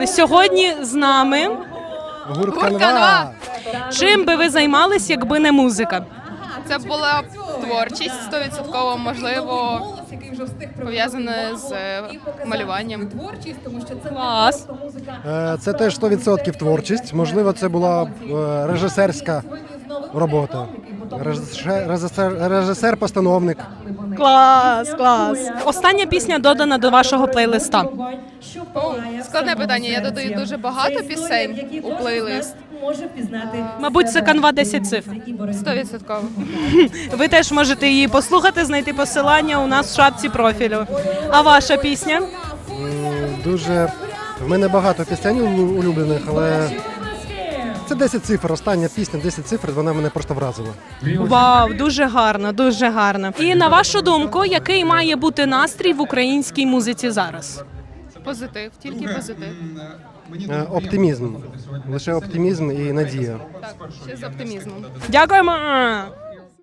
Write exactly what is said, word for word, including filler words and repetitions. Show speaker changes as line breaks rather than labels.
Сьогодні з нами.
Гурт
Гурт
«Канва».
«Канва».
Чим би ви займались, якби не музика?
Це була б творчість, сто відсотків, можливо, пов'язане з е, малюванням.
Клас.
Е, Це теж сто відсотків творчість. Можливо, це була е, режисерська робота. Режисер- режисер- Режисер-постановник.
Клас, клас. Остання пісня додана до вашого плейлиста.
О, складне питання. Я додаю дуже багато пісень у плейлист.
Мабуть, це канва десять цифр.
Сто відсотків.
Ви теж можете її послухати, знайти посилання у нас в шапці профілю. А ваша пісня?
М, Дуже в мене багато пісень улю- улюблених, але це десять цифр. Остання пісня десять цифр, вона мене просто вразила.
Вау, дуже гарно, дуже гарно. І на вашу думку, який має бути настрій в українській музиці зараз?
Позитив, тільки позитив.
Е, Оптимізм. Лише оптимізм і надія.
Так, ще з оптимізмом.
Дякуємо.